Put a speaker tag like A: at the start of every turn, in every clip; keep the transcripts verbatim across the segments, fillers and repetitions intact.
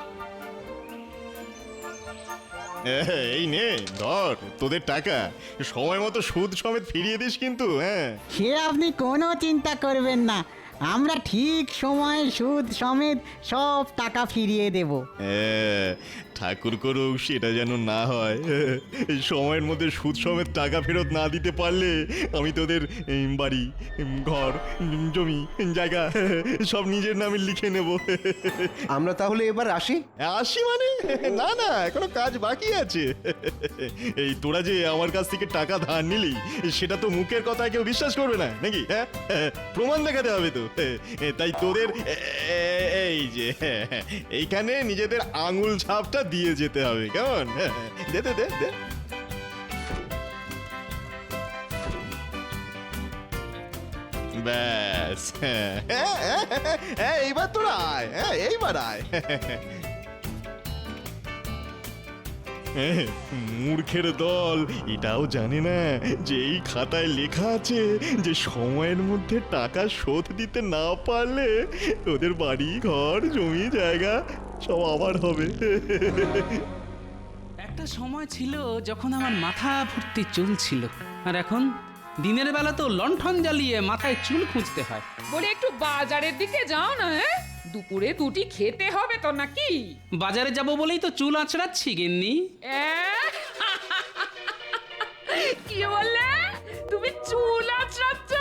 A: এই নে ধর তোদের টাকা, সময় মতো সুদ সমেত ফিরিয়ে দিস কিন্তু। হ্যাঁ,
B: সে আপনি কোনো চিন্তা করবেন না, আমরা ঠিক সময়ে সুদ সমেত সব টাকা ফিরিয়ে দেব।
A: হ্যাঁ, ঠাকুর করুক সেটা যেন না হয়। এই সময়ের মধ্যে সুদ সমেত টাকা ফেরত না দিতে পারলে আমি তোদের এই বাড়ি, ঘর, জমি, জায়গা সব নিজের নামে লিখে নেব।
C: আমরা তাহলে এবার আসি।
A: আসি মানে? না না, এখনো কাজ বাকি আছে। এই তোরা যে আমার কাছ থেকে টাকা ধার নিলি, সেটা তো মুখের কথা কেউ বিশ্বাস করবে না নাকি? হ্যাঁ, প্রমাণ দেখাতে হবে তো। তাই তোদের এই যে এইখানে নিজেদের আঙুল ছাপটা দিয়ে যেতে হবে, কেমন? দে দে দে দে। ব্যাস, এইবার তোরা আয়, এইবার আয়। মূর্খের দল এটাও জানে না যে এই খাতায় লেখা আছে যে সময়ের মধ্যে টাকা শোধ দিতে না পারলে ওদের বাড়ি, ঘর, জমি, জায়গা সব আবার হবে।
D: একটা সময় ছিল যখন আমার মাথা ভর্তি চুল ছিল, আর এখন দিনের বেলা তো লণ্ঠন জ্বালিয়ে মাথায় চুল খুঁজতে হয়।
E: বলে একটু বাজারের দিকে যাও না। হ্যাঁ, দুপুরে দুটি খেতে হবে তো নাকি?
D: বাজারে যাব বলেই তো চুল আঁচড়াচ্ছি গিন্নি।
E: অ্যাঁ? কি বললে? তুমি চুল আঁচড়াচ্ছ?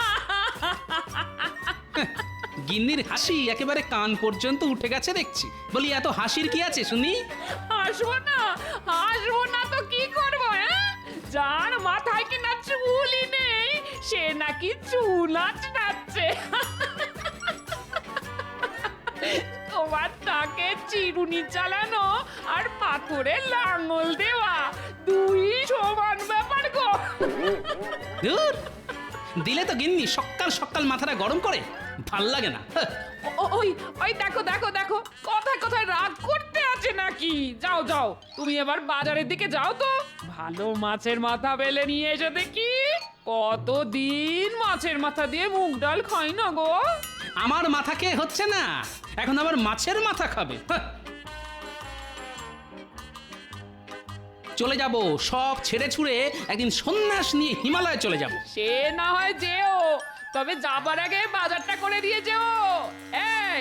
D: গিন্নির হাসি একেবারে কান পর্যন্ত উঠে গেছে দেখছি। বলি এত হাসির কি আছে শুনি?
E: হাসবো না, হাসবো না তো কি করবো? হ্যাঁ, যার মাথায় কিনা চুলই নেই সে নাকি চুল আঁচড়াচ্ছে। তোমার তাকে চিরুনি চালানো আর পাথরে লাঙল দেওয়া দুই সমান ব্যাপার গো।
D: ধুর, দিলে তো গিন্নি সকাল সকাল মাথাটা গরম করে, ভাল লাগে না।
E: ও- ওই ওই দেখো দেখো দেখো, কথায় কথায় রাগ করতে আছে নাকি? যাও যাও, তুমি এবার বাজারের দিকে যাও তো, ভালো মাছের মাথা বেলে নিয়ে এসে দেখি। কতদিন মাছের মাথা দিয়ে মুগ ডাল খাই না গো।
D: আমার মাথা খেয়ে হচ্ছে না, এখন আবার মাছের মাথা খাবে। হাহ। চলে যাব, সব ছেড়ে ছুড়ে একদিন সন্ন্যাস নিয়ে হিমালয়ে চলে যাব।
E: সে না হয় যেও, তবে যাবার আগে বাজারটা করে দিয়ে যেও। এই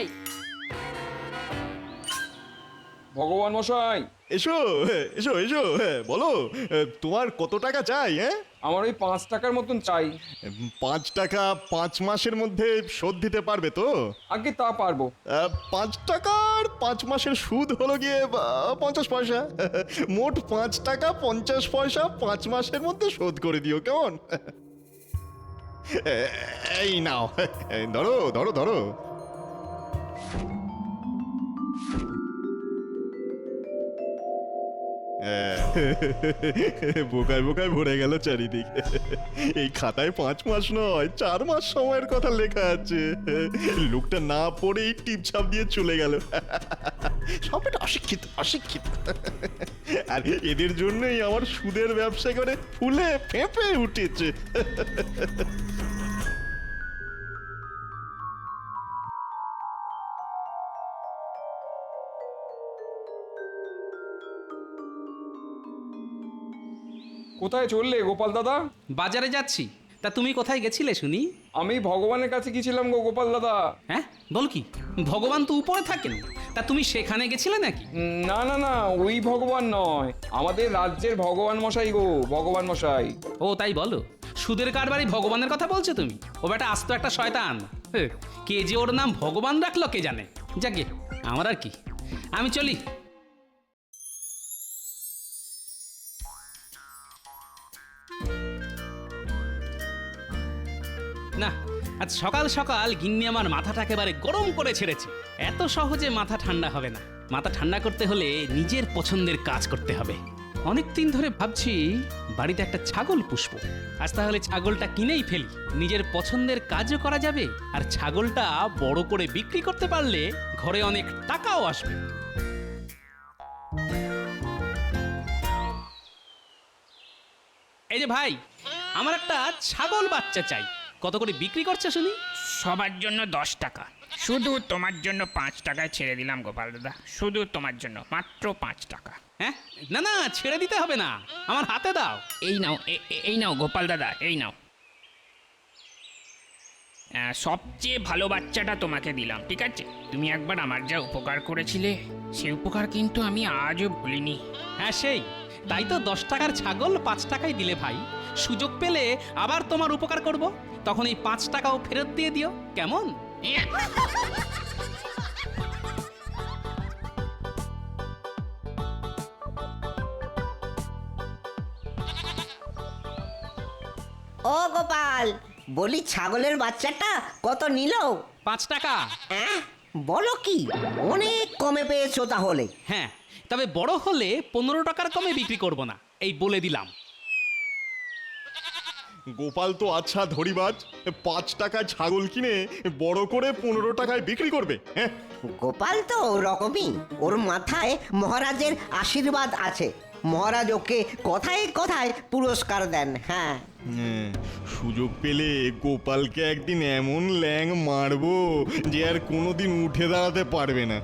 F: ভগবান মশাই,
A: এসো এসো এসো, বলো তোমার কত টাকা চাই? হ্যাঁ,
F: আমার ওই পাঁচ টাকার মতন চাই।
A: পাঁচ টাকা পাঁচ মাসের মধ্যে শোধ দিতে পারবে তো?
F: আগে তা পারবো।
A: আহ, পাঁচ টাকার পাঁচ মাসের সুদ হলো গিয়ে আহ, পঞ্চাশ পয়সা। মোট পাঁচ টাকা পঞ্চাশ পয়সা পাঁচ মাসের মধ্যে শোধ করে দিও, কেমন? এই নাও, ধরো ধরো ধরো। বোকায় বোকায় ভরে গেল চারিদিকে। এই খাতায় পাঁচ মাস নয় চার মাস সময়ের কথা লেখা আছে। লোকটা না পড়েই টিপছাপ দিয়ে চলে গেল। সবটা অশিক্ষিত অশিক্ষিত। আর এদের জন্যই আমার সুদের ব্যবসা করে ফুলে ফেঁপে উঠেছে।
F: কোথায় চললে গোপাল দাদা?
D: বাজারে যাচ্ছি। তা তুমি কোথায় গেছিলে শুনি?
F: আমি ভগবানের কাছে গেছিলাম গো গোপাল দাদা।
D: হ্যাঁ, বল কি? ভগবান তো উপরে থাকেন, তা তুমি সেখানে গেছিলে নাকি?
F: উম, না না না, ওই ভগবান নয়, আমাদের রাজ্যের ভগবান মশাই গো, ভগবান মশাই।
D: ও তাই বলো, সুদের কারবারি ভগবানের কথা বলছো তুমি? ও বেটা আস্ত একটা শয়তান। হ্যাঁ, কে যে ওর নাম ভগবান রাখলো কে জানে। যাকে আমার আর কি, আমি চলি। না, আজ সকাল সকাল গিন্নি আমার মাথাটা একেবারে গরম করে ছেড়েছে। এত সহজে মাথা ঠান্ডা হবে না। মাথা ঠান্ডা করতে হলে নিজের পছন্দের কাজ করতে হবে। অনেক দিন ধরে ভাবছি বাড়িতে একটা ছাগল পুষবো। আজ তাহলে ছাগলটা কিনেই ফেলি, নিজের পছন্দের কাজও করা যাবে, আর ছাগলটা বড় করে বিক্রি করতে পারলে ঘরে অনেক টাকাও আসবে। এই যে ভাই, আমার একটা ছাগল বাচ্চা চাই, কত করে বিক্রি করছে শুনি?
G: সবার জন্য দশ টাকা, শুধু তোমার জন্য পাঁচ টাকায় ছেড়ে দিলাম গোপাল দাদা, শুধু তোমার জন্য মাত্র পাঁচ টাকা।
D: হ্যাঁ না না ছেড়ে দিতে হবে না, আমার হাতে দাও।
G: এই নাও, এ- এ- এই নাও গোপাল দাদা, এই নাও। আহ, সবচেয়ে ভালো বাচ্চাটা তোমাকে দিলাম, ঠিক আছে? তুমি একবার আমার যা উপকার করেছিলে, সেই উপকার কিন্তু আমি আজও ভুলিনি।
D: হ্যাঁ সেই তাই তো দশ টাকার ছাগল পাঁচ টাকায় দিলে ভাই। সুযোগ পেলে আবার তোমার উপকার করব, তখন এই পাঁচ টাকাও ফেরত দিয়ে দিও, কেমন?
H: ও গোপাল, বলি ছাগলের বাচ্চাটা কত নিল?
D: পাঁচ টাকা।
H: অ্যাঁ, বলো কি, অনেক কমে পেয়েছো তাহলে।
D: হ্যাঁ তবে বড় হলে পনেরো টাকার কমে বিক্রি করব না, এই বলে দিলাম।
A: গোপাল তো আচ্ছা ধরিবাজ, পাঁচ টাকায় ছাগল কিনে বড় করে পনেরো টাকায় বিক্রি করবে। হ্যাঁ
H: গোপাল তো ওরকমই, ওর মাথায় মহারাজের আশীর্বাদ আছে। মহারাজ ওকে কথায় কথায় পুরস্কার দেন। হ্যাঁ,
A: হ্যাঁ, সুযোগ পেলে গোপালকে একদিন এমন ল্যাং মারবো যে আর কোনোদিন উঠে দাঁড়াতে পারবে না।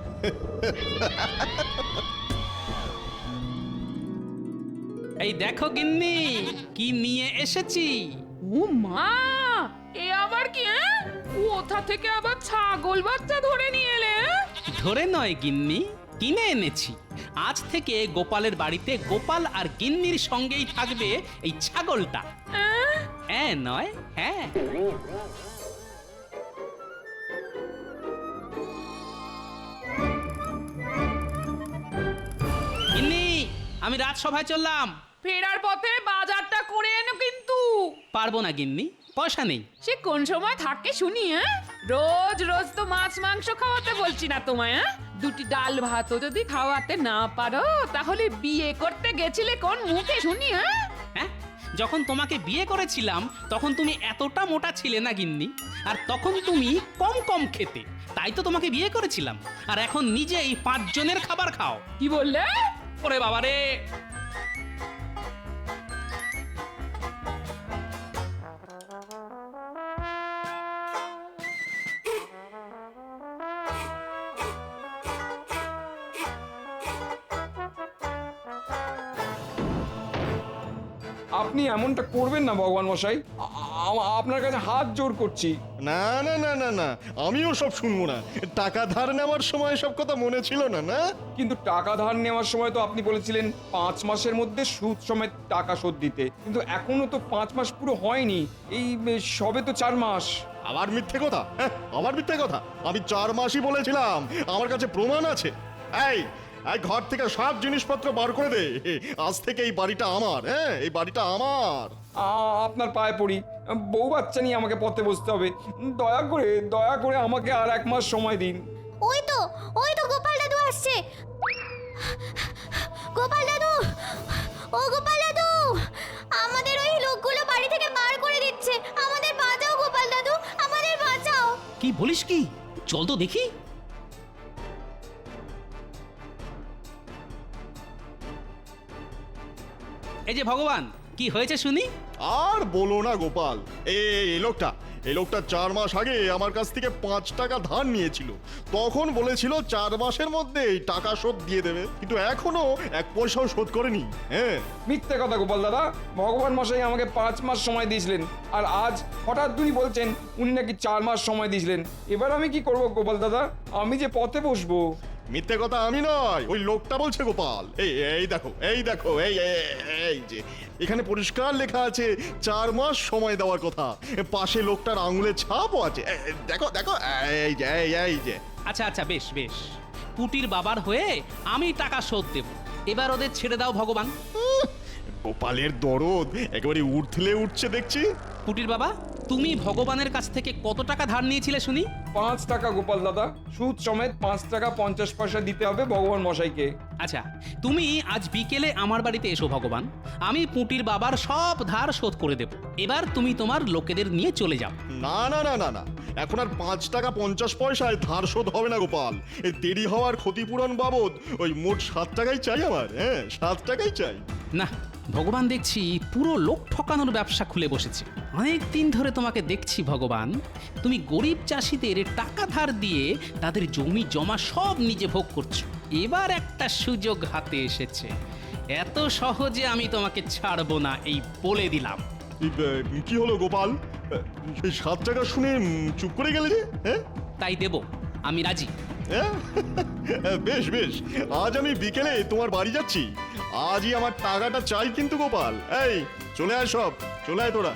D: এই দেখো গিন্নি কি নিয়ে এসেছি।
E: ও মা, এ আবার কি? হ্যাঁ? কোথা থেকে আবার ছাগল বাচ্চা ধরে নিয়ে এলে? হ্যাঁ?
D: ধরে নয় গিন্নি, কিনে এনেছি। আজ থেকে গোপালের বাড়িতে গোপাল আর গিন্নির সঙ্গেই থাকবে এই ছাগলটা।
E: হ্যাঁ?
D: হ্যাঁ নয় হ্যাঁ। গিন্নি আমি রাজসভায় চললাম।
E: ফেরার পথে বাজারটা করে এনো কিন্তু।
D: পারবো না গিন্নি, পয়সা নেই।
E: সে কোন সময় থাকে শুনি? হ্যাঁ, রোজ রোজ তো মাছ মাংস খাওয়াতে বলছি না তোমায়। হ্যাঁ, দুটি ডাল ভাতও যদি খাওয়াতে না পারো, তাহলে বিয়ে করতে গেছিলে কোন মুখে শুনি? হ্যাঁ,
D: হ্যাঁ যখন তোমাকে বিয়ে করেছিলাম তখন তুমি এতটা মোটা ছিলে না গিন্নি, আর তখন তুমি কম কম খেতে, তাই তো তোমাকে বিয়ে করেছিলাম। আর এখন নিজেই পাঁচ জনের খাবার খাও।
E: কি বললে?
D: ওরে বাবা রে।
F: আপনি এমনটা করবেন না ভগবান মশাই, আ- আ- আপনার কাছে হাত জোর করছি।
A: না না না না না, আমিও সব শুনবো না। টাকা ধার নেওয়ার সময় সব কথা মনে ছিল না? না
F: কিন্তু টাকা ধার নেওয়ার সময় তো আপনি বলেছিলেন পাঁচ মাসের মধ্যে সুদ সমেত টাকা শোধ দিতে, কিন্তু এখনো তো পাঁচ মাস পুরো হয়নি, এই এ, সবে তো চার মাস।
A: আবার মিথ্যে কথা? হ্যাঁ আবার মিথ্যে কথা? আমি চার মাসই বলেছিলাম, আমার কাছে প্রমাণ আছে। এই এই ঘর থেকে সব জিনিসপত্র বার করে দে, আজ থেকে এই বাড়িটা আমার। হ্যাঁ এই বাড়িটা আমার।
F: আ- আপনার পায়ে পড়ি, বউ বাচ্চা নিয়ে আমাকে পথে বসতে হবে, দয়া করে দয়া করে আমাকে আর এক মাস সময় দিন।
I: ওই তো ওই তো গোপাল দাদু আসছে। গোপাল দাদু, ও গোপাল দাদু, আমাদের ওই লোকগুলো বাড়ি থেকে বার করে দিচ্ছে। আমাদের বাঁচাও গোপাল দাদু, আমাদের বাঁচাও।
D: কি বলিস কি? চল তো দেখি। এই যে ভগবান, কি হয়েছে শুনি?
A: আর বলো না গোপাল, এই এই লোকটা এই লোকটা চার মাস আগে আমার কাছ থেকে পাঁচ টাকা ধার নিয়েছিল। তখন বলেছিল চার মাসের মধ্যে টাকা শোধ দিয়ে দেবে, কিন্তু এখনো এক পয়সাও শোধ করেনি। হ্যাঁ
F: মিথ্যে কথা গোপাল দাদা, ভগবান মশাই আমাকে পাঁচ মাস সময় দিয়েছিলেন, আর আজ হঠাৎ উনি বলছেন উনি নাকি চার মাস সময় দিয়েছিলেন। এবার আমি কি করব গোপাল দাদা? আমি যে পথে বসবো।
A: মিথ্যে কথা আমি নয়, ওই লোকটা বলছে গোপাল। এই এই দেখো এই দেখো এই এই- এই যে এখানে পরিষ্কার লেখা আছে চার মাস সময় দেওয়ার কথা, পাশে লোকটার আঙুলের ছাপও আছে। এ, এ, দেখো দেখো এই যে এই এই যে।
D: আচ্ছা আচ্ছা বেশ বেশ, পুটির বাবার হয়ে আমি টাকা শোধ দেব। এবার ওদের ছেড়ে দাও ভগবান।
A: উহ, গোপালের দরদ একেবারে উঠলে উঠছে দেখছি।
D: পুটির বাবা, তুমি ভগবানের কাছ থেকে কত টাকা ধার নিয়েছিলে শুনি?
F: পাঁচ টাকা গোপাল দাদা, সুদ সমেত পাঁচ টাকা পঞ্চাশ পয়সা দিতে হবে ভগবান মশাইকে।
D: আচ্ছা তুমি আজ বিকেলে আমার বাড়িতে এসো ভগবান, আমি পুটির বাবার সব ধার শোধ করে দেব। এবার তুমি তোমার লোকেদের নিয়ে চলে যাও।
A: না না না না না, এখন আর পাঁচ টাকা পঞ্চাশ পয়সায় ধার শোধ হবে না গোপাল। এই দেরি হওয়ার ক্ষতিপূরণ বাবদ ওই মোট সাত টাকাই চাই আমার। হ্যাঁ সাত টাকাই চাই।
D: না, ভগবান দেখছি পুরো লোক ঠকানোর ব্যবসা খুলে বসেছে। অনেক দিন ধরে তোমাকে দেখছি ভগবান, তুমি গরিব চাষিদের চাষিদের টাকা ধার দিয়ে তাদের জমি জমা সব নিজে ভোগ করছো। এবার একটা সুযোগ হাতে এসেছে, এত সহজে আমি তোমাকে ছাড়বো না, এই বলে দিলাম।
A: এই, আহ, কি হলো গোপাল? আহ, এই সাত টাকা শুনে উম, চুপ করে গেলে যে? হ্যাঁ
D: তাই দেব, আমি রাজি।
A: হ্যাঁ? বেশ বেশ, আজ আমি বিকেলে তোমার বাড়ি যাচ্ছি। আজই আমার টাকাটা চাই কিন্তু গোপাল। এই চলে আয়, সব চলে আয় তোরা।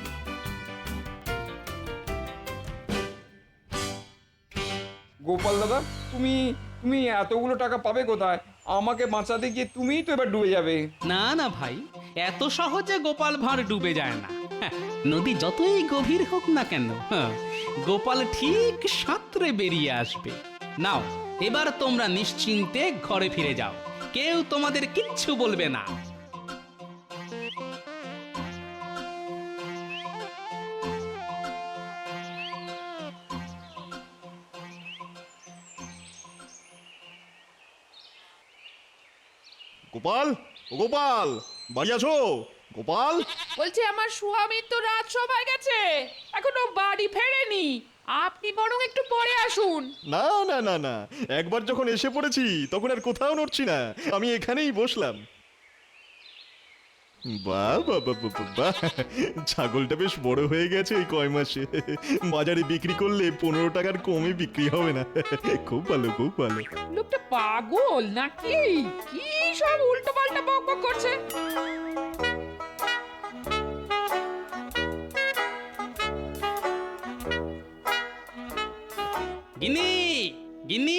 F: গোপাল দাদা, তুমি তুমি এতগুলো টাকা পাবে কোথায়? আমাকে বাঁচাতে গিয়ে তুমিই তো এবার ডুবে যাবে।
D: না না ভাই, এত সহজে গোপাল ভাঁড় ডুবে যায় না। হ্যাঁ, নদী যতই গভীর হোক না কেন, হ্যাঁ, গোপাল ঠিক সাঁতরে বেরিয়ে আসবে। নাও, এবার তোমরা নিশ্চিন্তে ঘরে ফিরে যাও, কেউ তোমাদের কিচ্ছু বলবে না।
A: গোপাল, ও গোপাল, বাড়ি আছো? গোপাল,
E: বলছি আমার স্বামী তো রাত সবাই গেছে, এখনো বাড়ি ফেরেনি। আপনি বরং একটু পরে আসুন।
A: না না না না, একবার যখন এসে পড়েছি তখন আর কোথাও নড়ছি না, আমি এখানেই বসলাম। বাহ বাহ বাহ বাহ বাহ, ছাগলটা বেশ বড় হয়ে গেছে এই কয় মাসে। বাজারে বিক্রি করলে পনেরো টাকার কমে বিক্রি হবে না। খুব ভালো, খুব ভালো।
E: লোকটা পাগল নাকি? কি সব উল্টো পাল্টা বক বক করছে।
D: গিন্নি, গিন্নি,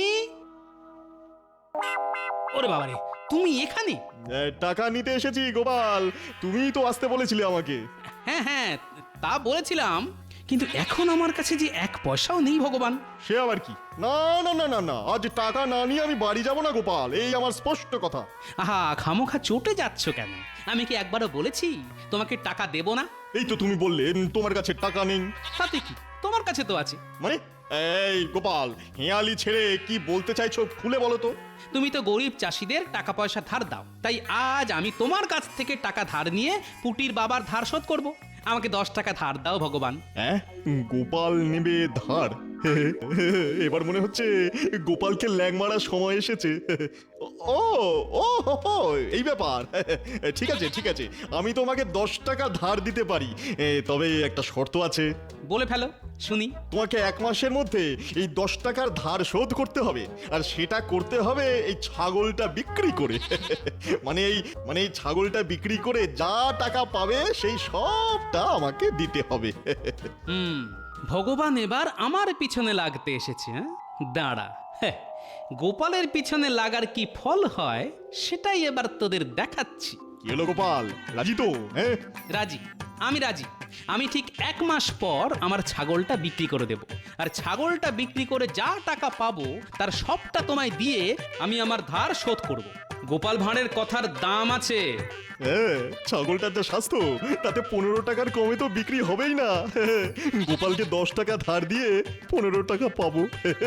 D: ওরে বাবারে, তুমি এখানে?
A: এ, টাকা নিতে এসেছি গোপাল, তুমিই তো আসতে বলেছিলে আমাকে।
D: হ্যাঁ হ্যাঁ, তা বলেছিলাম, কিন্তু এখন আমার কাছে যে এক পয়সাও নেই ভগবান।
A: সে আবার কি? না না না না না, আজ টাকা না নিয়ে আমি বাড়ি যাব না গোপাল, এই আমার স্পষ্ট কথা।
D: আহা, খামোখা চটে যাচ্ছ কেন? আমি কি একবারও বলেছি তোমাকে টাকা দেব না?
A: এই তো তুমি বললে তোমার কাছে টাকা নেই।
D: তাতে কি, তোমার কাছে তো আছে।
A: মানে এই গোপাল, হেয়ালি ছেড়ে কি বলতে চাইছো খুলে বলো তো।
D: তুমি তো গরিব চাষিদের টাকা পয়সা ধার দাও, তাই আজ আমি তোমার কাছ থেকে টাকা ধার নিয়ে পুটির বাবার ধার শোধ করব। আমাকে দশ টাকা ধার দাও ভগবান।
A: হ্যাঁ, গোপাল নেবে ধার? এবার মনে হচ্ছে গোপালকে ল্যাং মারার সময় এসেছে। ও ও হো, হো, এই ব্যাপার। ঠিক আছে ঠিক আছে, আমি তোমাকে দশ টাকা ধার দিতে পারি, এ, তবে একটা শর্ত আছে।
D: বলে ফেলো শুনি।
A: তোমাকে এক মাসের মধ্যে এই দশ টাকার ধার শোধ করতে হবে, আর সেটা করতে হবে এই ছাগলটা বিক্রি করে। মানে এই মানে এই ছাগলটা বিক্রি করে যা টাকা পাবে সেই সবটা আমাকে দিতে হবে।
D: হুম, ভগবান এবার আমার পিছনে লাগতে এসেছে। হ্যাঁ, দাঁড়া, হ্যাঁ, গোপালের পিছনে লাগার কি ফল হয় সেটাই এবার তোদের দেখাচ্ছি।
A: কি হলো গোপাল, রাজি তো? হ্যাঁ
D: রাজি, আমি রাজি। আমি ঠিক এক মাস পর আমার ছাগলটা বিক্রি করে দেব, আর ছাগলটা বিক্রি করে যা টাকা পাবো তার সবটা তোমায় দিয়ে আমি আমার ধার শোধ করব। গোপাল ভাঁড়ের কথার দাম আছে।
A: হ্যাঁ, ছাগলটার যা স্বাস্থ্য তাতে পনেরো টাকার কমে তো বিক্রি হবেই না। গোপালকে দশ টাকা ধার দিয়ে পনেরো টাকা পাবো।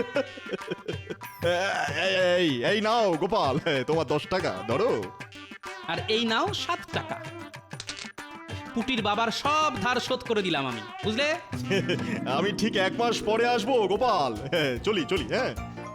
A: এই, এই এই নাও গোপাল, তোমার দশ টাকা ধরো।
D: আর এই নাও সাত টাকা। পুটির বাবার সব ধার শোধ করে দিলাম আমি, বুঝলে?
A: আমি ঠিক এক মাস পরে আসবো গোপাল। হ্যাঁ, চলি চলি। হ্যাঁ,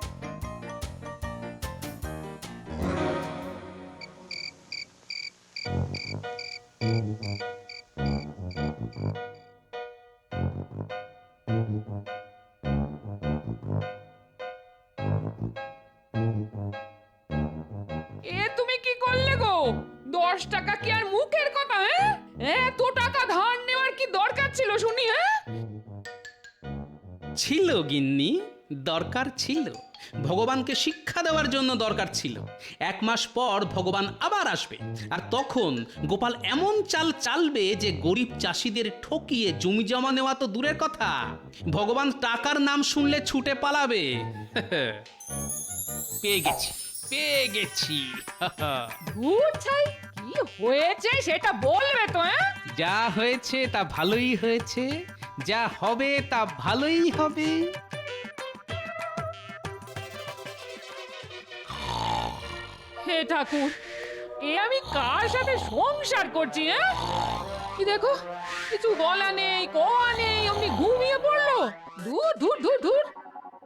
E: এ তুমি কি করলে গো? দশ টাকা কি আর মুখের কথা? হ্যাঁ, এত টাকা ধার নেওয়ার কি দরকার ছিল শুনি? হ্যাঁ,
D: ছিল গিন্নি, দরকার ছিল। ভগবানকে শিক্ষা দেওয়ার জন্য দরকার ছিল। এক মাস পর ভগবান আবার আসবে, আর তখন গোপাল এমন চাল চালবে যে গরিব চাষিদের ঠকিয়ে জমি জমা নেওয়া তো দূরের কথা, ভগবান টাকার নাম শুনলে ছুটে পালাবে। পেয়ে গেছি, পেয়ে গেছি।
E: ধুর ছাই, কি হয়েছে সেটা বলবে তো? হ্যাঁ,
D: যা হয়েছে তা ভালোই হয়েছে, যা হবে তা ভালোই হবে।
E: হে ঠাকুর, এ আমি কার সাথে সংসার করছি? হ্যাঁ, কি দেখো, কিছু বলা নেই, কোয়া নেই, অমনি ঘুমিয়ে পড়লো। ধুর ধুর ধুর ধুর।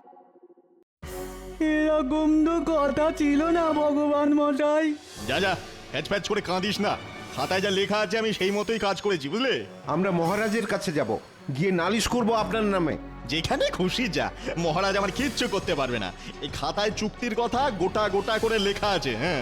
B: এরকম তো কথা ছিল না ভগবান মশাই।
A: যা যা প্যাচ প্যাচ করে কাঁদিস না, খাতায় যা লেখা আছে আমি সেই মতোই কাজ করেছি, বুঝলে?
C: আমরা মহারাজের কাছে যাব, গিয়ে নালিশ করব আপনার নামে।
A: যেখানে খুশি যা, মহারাজ আমার কিচ্ছু করতে পারবে না। এই খাতায় চুক্তির কথা গোটা গোটা করে লেখা আছে। হ্যাঁ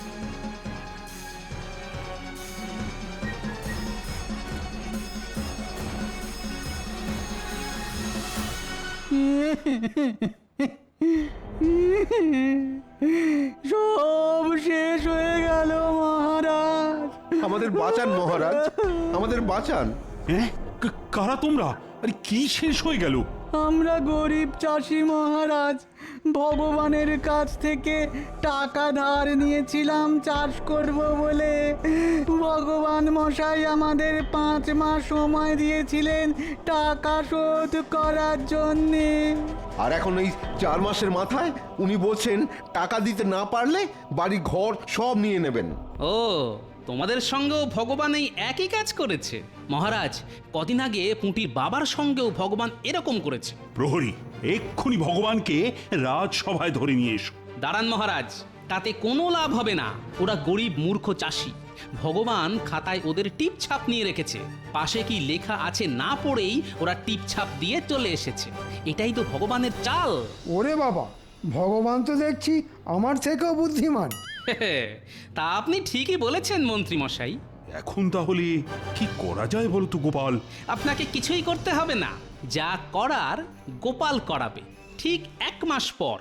B: সব শেষ হয়ে গেল মহারাজ।
C: আমাদের বাঁচান মহারাজ, আমাদের বাঁচান।
J: হ্যাঁ কা- কারা তোমরা? আরে কি শেষ হয়ে গেল?
B: আমরা গরিব চাষি মহারাজ, ভগবানের কাছ থেকে টাকা ধার নিয়েছিলাম চাষ করব বলে। ভগবান মশাই আমাদের পাঁচ মাস সময় দিয়েছিলেন টাকা শোধ করার জন্যে।
C: আর এখন এই চার মাসের মাথায় উনি বলছেন টাকা দিতে না পারলে বাড়ি ঘর সব নিয়ে নেবেন।
D: ও, তোমাদের সঙ্গেও ভগবান এই একই কাজ করেছে? মহারাজ, কদিন আগে পুঁটির বাবার সঙ্গেও ভগবান এরকম করেছে।
J: প্রহরী, এক্ষুনি ভগবানকে রাজসভায় ধরে নিয়ে এসো।
D: দাঁড়ান মহারাজ, তাতে কোনো লাভ হবে না। ওরা গরিব মূর্খ চাষি। ভগবান খাতায় ওদের টিপ ছাপ নিয়ে রেখেছে। পাশে কি লেখা আছে না পড়েই ওরা টিপ ছাপ দিয়ে চলে এসেছে। এটাই তো ভগবানের চাল।
K: ওরে বাবা, ভগবান তো দেখছি আমার থেকেও বুদ্ধিমান।
D: তা আপনি ঠিকই বলেছেন মন্ত্রী মশাই।
J: এখন তাহলে কি করা যায় বলতো গোপাল?
D: আপনাকে কিছুই করতে হবে না, যা করার গোপাল করাবে ঠিক এক মাস পর।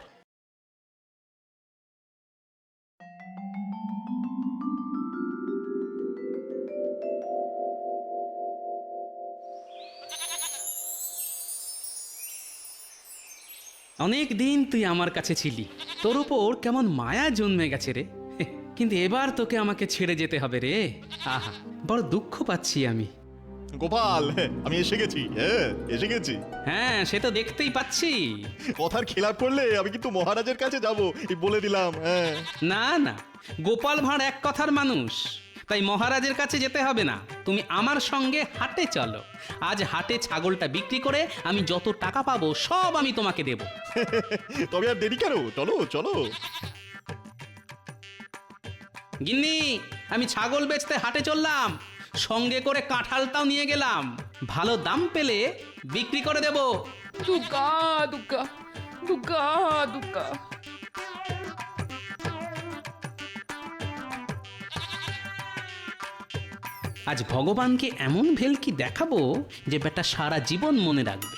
D: অনেক দিন তুই আমার কাছে ছিলি, তোর উপর কেমন মায়া জন্মে গেছে রে। কিন্তু এবার তোকে আমাকে ছেড়ে যেতে হবে রে। আহা, বড় দুঃখ পাচ্ছি আমি।
A: গোপাল, আমি এসে গেছি। হ্যাঁ এসে গেছি।
D: হ্যাঁ, সে তো দেখতেই পাচ্ছি।
A: কথার খেলাপ করলে আমি কিন্তু মহারাজের কাছে যাব, এই বলে দিলাম। হ্যাঁ
D: না না, গোপাল ভাঁড় এক কথার মানুষ, তাই মহারাজের কাছে যেতে হবে না। তুমি আমার সঙ্গে হাটে চলো। আজ হাটে ছাগলটা বিক্রি করে আমি যত টাকা পাবো সব আমি তোমাকে দেব।
A: তবে আর দেরি কেন, চলো চলো।
D: গিন্নি, আমি ছাগল বেচতে হাটে চললাম, সঙ্গে করে কাঁঠালটাও নিয়ে গেলাম। ভালো দাম পেলে বিক্রি করে দেব।
E: দুগ্গা দুগ্গা দুগ্গা দুগ্গা।
D: আজ ভগবানকে এমন ভেলকি দেখাবো যে বেটা সারা জীবন মনে রাখবে।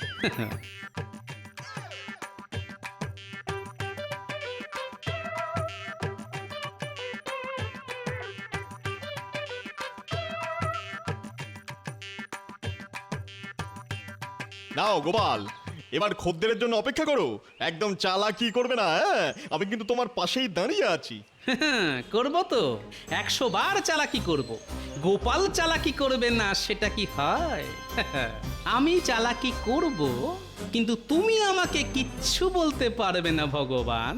A: নাও গোপাল, এবার খদ্দেরের জন্য অপেক্ষা করো। একদম চালাকি করবে না। হ্যাঁ আমি কিন্তু তোমার পাশেই দাঁড়িয়ে আছি।
D: করব তো, একশো বার চালাকি করব। গোপাল চালাকি করবে না সেটা কি হয়? আমি চালাকি করব, কিন্তু তুমি আমাকে কিচ্ছু বলতে পারবে না ভগবান।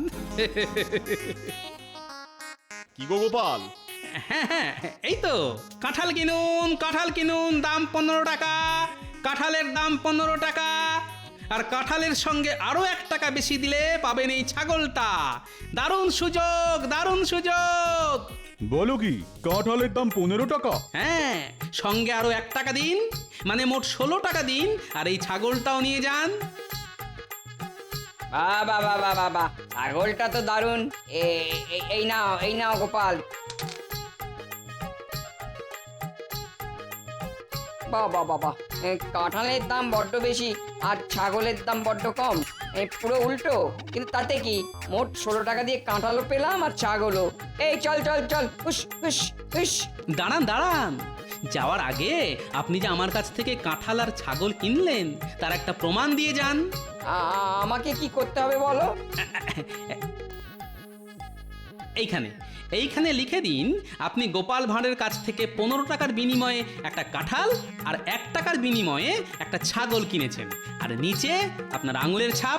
A: কি গো গোপাল?
D: হ্যাঁ হ্যাঁ, এই তো কাঁঠাল কিনুন, কাঁঠাল কিনুন, দাম পনেরো টাকা। কাঁঠালের দাম পনেরো টাকা। আর কাঁঠালের সঙ্গে আরো এক টাকা বেশি দিলে পাবেন এই ছাগলটা। দারুণ সুযোগ, দারুণ সুযোগ।
J: বলো কি, কাঁঠালের দাম পনেরো টাকা?
D: হ্যাঁ, সঙ্গে আরো এক টাকা দিন, মানে মোট ষোলো টাকা দিন, আর এই ছাগলটাও নিয়ে যান।
L: বাবা বাবা বাবা, ছাগলটা তো দারুণ। এ- এ- এই নাও, এই নাও গোপাল। বাবা বাবা, এ, কাঁঠালের দাম বড্ড বেশি আর ছাগলের দাম বড্ড কম। এ, পুরো উল্টো, কিন্তু তাতে কি, মোট ষোলো টাকা দিয়ে কাঁঠালও পেলাম আর ছাগলও। এই চল চল চল, হুস হুস হুস।
D: দাঁড়ান দাঁড়ান, যাওয়ার আগে আপনি যে আমার কাছ থেকে কাঁঠাল আর ছাগল কিনলেন তার একটা প্রমাণ দিয়ে যান।
L: আ- আমাকে কি করতে হবে বলো?
D: এইখানে এইখানে লিখে দিন আপনি গোপাল ভাঁড়ের কাছ থেকে পনেরো টাকার বিনিময়ে একটা কাঁঠাল আর এক টাকার বিনিময়ে একটা ছাগল কিনেছেন, আর নিচে আপনার আঙুলের ছাপ।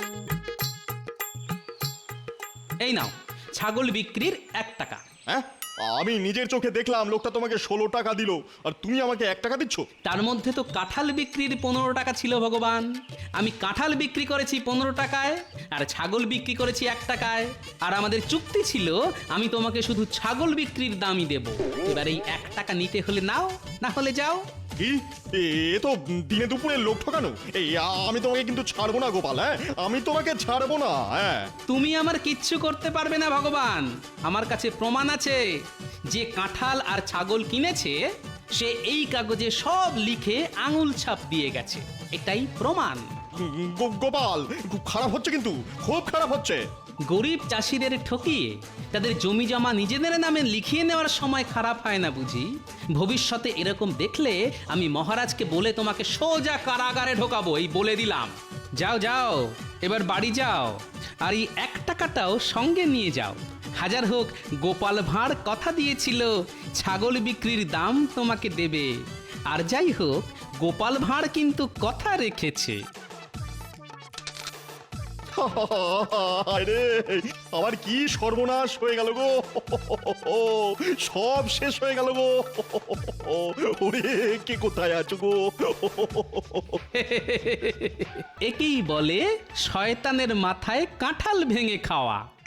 D: এই নাও ছাগল বিক্রির এক টাকা।
A: হ্যাঁ আমি নিজের চোখে দেখলাম লোকটা তোমাকে ষোলো টাকা দিল আর তুমি আমাকে এক টাকা দিচ্ছ।
D: তার মধ্যে তো কাঁঠাল বিক্রির পনেরো টাকা ছিল ভগবান। আমি কাঁঠাল বিক্রি করেছি পনেরো টাকায় আর ছাগল বিক্রি করেছি এক টাকায়। আর আমাদের চুক্তি ছিল আমি তোমাকে শুধু ছাগল বিক্রির দামই দেব। এবার এই এক টাকা নিতে হলে নাও, না হলে যাও।
A: কি এ তো দিনে দুপুরে লোক ঠকানো। এই আমি তোমাকে কিন্তু ছাড়বো না গোপাল, হ্যাঁ আমি তোমাকে ছাড়বো না। হ্যাঁ
D: তুমি আমার কিচ্ছু করতে পারবে না ভগবান। আমার কাছে প্রমাণ আছে, যে কাঁঠাল আর ছাগল কিনেছে সে এই কাগজে সব লিখে আঙুল ছাপ দিয়ে গেছে। এটাই প্রমাণ।
A: গো- গোপাল খুব খারাপ হচ্ছে, কিন্তু খুব খারাপ হচ্ছে।
D: গরিব চাষিদের ঠকিয়ে তাদের জমি জমা নিজেদের নামে লিখিয়ে নেওয়ার সময় খারাপ হয় না বুঝি? ভবিষ্যতে এরকম দেখলে আমি মহারাজকে বলে তোমাকে সোজা কারাগারে ঢোকাবো, এই বলে দিলাম। যাও যাও, এবার বাড়ি যাও, আর এই এক টাকাটাও সঙ্গে নিয়ে যাও। হাজার হোক গোপাল ভাঁড় কথা দিয়েছিল ছাগল বিক্রির দাম তোমাকে দেবে। আর যাই হোক গোপাল ভাঁড় কিন্তু কথা রেখেছে।
A: আরে আমার কি সর্বনাশ হয়ে গেল গো, সব শেষ হয়ে গেল গো। ওরে কে কোথায় আছো গো?
D: একেই বলে শয়তানের মাথায় কাঁঠাল ভেঙে খাওয়া।